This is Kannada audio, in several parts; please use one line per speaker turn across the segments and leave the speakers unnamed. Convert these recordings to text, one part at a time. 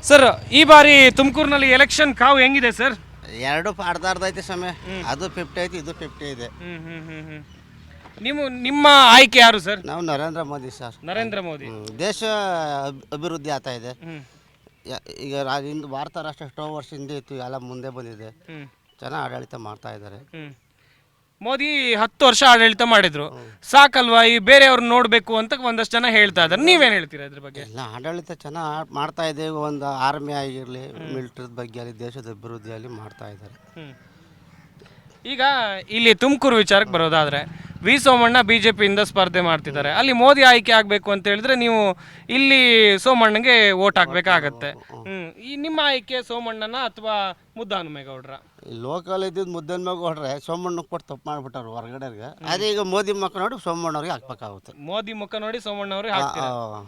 ಸರ್, ಈ ಬಾರಿ ತುಮಕೂರಿನಲ್ಲಿ ಎಲೆಕ್ಷನ್ ಕಾವು ಹೆಂಗಿದೆ ಸರ್?
ಎರಡು ಅರ್ಧ ಐತೆ ಸಮಯ. ಅದು 50 ಐತೆ, ಇದು 50 ಇದೆ.
ನಿಮ್ಮ ಆಯ್ಕೆ ಯಾರು ಸರ್?
ನಾವು ನರೇಂದ್ರ ಮೋದಿ ಸರ್.
ನರೇಂದ್ರ ಮೋದಿ.
ದೇಶ ಅಭಿವೃದ್ಧಿ ಆಗ್ತಾ ಇದೆ. ಈಗ ಇಂದು ಭಾರತ ರಾಷ್ಟ್ರ ಎಷ್ಟೋ ವರ್ಷದಿಂದ ಇತ್ತು, ಎಲ್ಲ ಮುಂದೆ ಬಂದಿದೆ. ಚೆನ್ನಾಗಿ ಆಡಳಿತ ಮಾಡ್ತಾ ಇದ್ದಾರೆ.
ಮೋದಿ 10 ವರ್ಷ ಆಡಳಿತ ಮಾಡಿದ್ರು, ಸಾಕಲ್ವಾ? ಈ ಬೇರೆಯವ್ರನ್ನ ನೋಡ್ಬೇಕು ಅಂತ ಒಂದಷ್ಟು ಜನ ಹೇಳ್ತಾ ಇದ್ದಾರೆ. ನೀವೇನು ಹೇಳ್ತೀರಾ ಇದ್ರ ಬಗ್ಗೆ?
ಎಲ್ಲ ಆಡಳಿತ ಚೆನ್ನಾಗಿ ಮಾಡ್ತಾ ಇದೆ. ಒಂದು ಆರ್ಮಿ ಆಗಿರಲಿ, ಮಿಲಿಟರಿ ಬಗ್ಗೆ ಆಗಲಿ, ದೇಶದ ಅಭಿವೃದ್ಧಿಯಲ್ಲಿ ಮಾಡ್ತಾ ಇದ್ದಾರೆ.
ಈಗ ಇಲ್ಲಿ ತುಮಕೂರು ವಿಚಾರಕ್ಕೆ ಬರೋದಾದ್ರೆ, ವಿ ಸೋಮಣ್ಣ ಬಿಜೆಪಿಯಿಂದ ಸ್ಪರ್ಧೆ ಮಾಡ್ತಿದ್ದಾರೆ. ಅಲ್ಲಿ ಮೋದಿ ಆಯ್ಕೆ ಆಗಬೇಕು ಅಂತ ಹೇಳಿದ್ರೆ ನೀವು ಇಲ್ಲಿ ಸೋಮಣ್ಣಗೆ ವೋಟ್ ಹಾಕ್ಬೇಕಾಗತ್ತೆ. ಈ ನಿಮ್ಮ ಆಯ್ಕೆ ಸೋಮಣ್ಣನ ಅಥವಾ ಮುದ್ದಹನುಮೇಗೌಡ್ರ?
ಲೋಕಲ್ ಇದ್ದಿದ್ದು ಮುದ್ದಹನುಮೇಗೌಡ್ರೆ ಸೋಮಣ್ಣಗೆ ಕೊಟ್ಟು ತಪ್ಪು ಮಾಡ್ಬಿಟ್ಟಾರೆ ಹೊರಗಡೆಗೆ. ಅದೇ ಈಗ ಮೋದಿ ಮುಖ ನೋಡಿ ಸೋಮಣ್ಣವ್ರಿಗೆ ಹಾಕ್ಬೇಕಾಗುತ್ತೆ.
ಮೋದಿ ಮುಖ ನೋಡಿ ಸೋಮಣ್ಣವ್ರಿಗೆ ಹಾಕ್ತಾರೆ.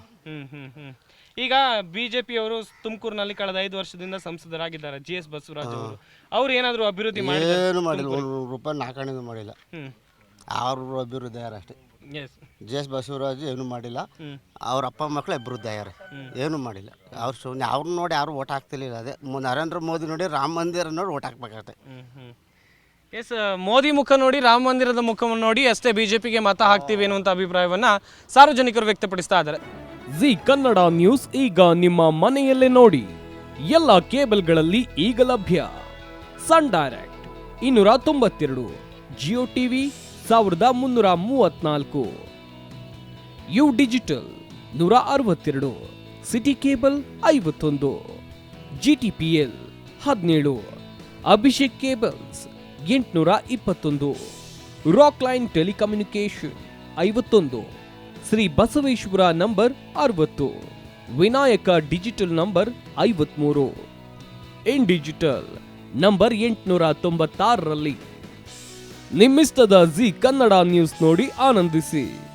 ಈಗ ಬಿಜೆಪಿಯವರು ತುಮಕೂರಿನಲ್ಲಿ ಕಳೆದ 5 ವರ್ಷದಿಂದ ಸಂಸದರಾಗಿದ್ದಾರೆ. GS ಬಸವರಾಜ್ ಅವರು. ಅವ್ರು ಏನಾದ್ರು ಅಭಿವೃದ್ಧಿ
ಏನು ಮಾಡಿಲ್ಲ, ₹1 ನಾಲ್ಕಾಣಿನೂ ಮಾಡಿಲ್ಲ. ಅವ್ರ ಅಭಿವೃದ್ಧಿ ಆಗ್ಯಾರ ಅಷ್ಟೇ. GS ಬಸವರಾಜ್ ಏನು ಮಾಡಿಲ್ಲ. ಅವ್ರ ಅಪ್ಪ ಮಕ್ಕಳು ಅಭಿವೃದ್ಧಿ ಆಗ್ಯಾರ, ಏನು ಮಾಡಿಲ್ಲ. ಅವ್ರು ಸುಮ್ಮನೆ ಅವ್ರನ್ನ ನೋಡಿ ಯಾರು ಓಟ್ ಹಾಕ್ತಿರ್ಲಿಲ್ಲ. ಅದೇ ನರೇಂದ್ರ ಮೋದಿ ನೋಡಿ ರಾಮ ಮಂದಿರ ನೋಡಿ ಓಟ್ ಹಾಕ್ಬೇಕಾಗತ್ತೆ.
ಎಸ್, ಮೋದಿ ಮುಖ ನೋಡಿ, ರಾಮ ಮಂದಿರದ ಮುಖವನ್ನು ನೋಡಿ ಅಷ್ಟೇ ಬಿಜೆಪಿಗೆ ಮತ ಹಾಕ್ತೀವಿ ಅನ್ನುವಂಥ ಅಭಿಪ್ರಾಯವನ್ನ ಸಾರ್ವಜನಿಕರು ವ್ಯಕ್ತಪಡಿಸ್ತಾ ಇದ್ದಾರೆ.
ಜಿ ಕನ್ನಡ ನ್ಯೂಸ್ ಈಗ ನಿಮ್ಮ ಮನೆಯಲ್ಲೇ ನೋಡಿ. ಎಲ್ಲ ಕೇಬಲ್ಗಳಲ್ಲಿ ಈಗ ಲಭ್ಯ. Sun Direct 292, Jio TV 1334, U Digital 162, City Cable 51, GTPL 17, Abhishek cables 821, Rock Line telecommunication 51, Shri Basaveshwara number 60, Vinayaka digital number 53, in digital number 896ರಲ್ಲಿ. ನಿಮ್ಮಿಸ್ತದ ಜಿ ಕನ್ನಡ ನ್ಯೂಸ್ ನೋಡಿ ಆನಂದಿಸಿ.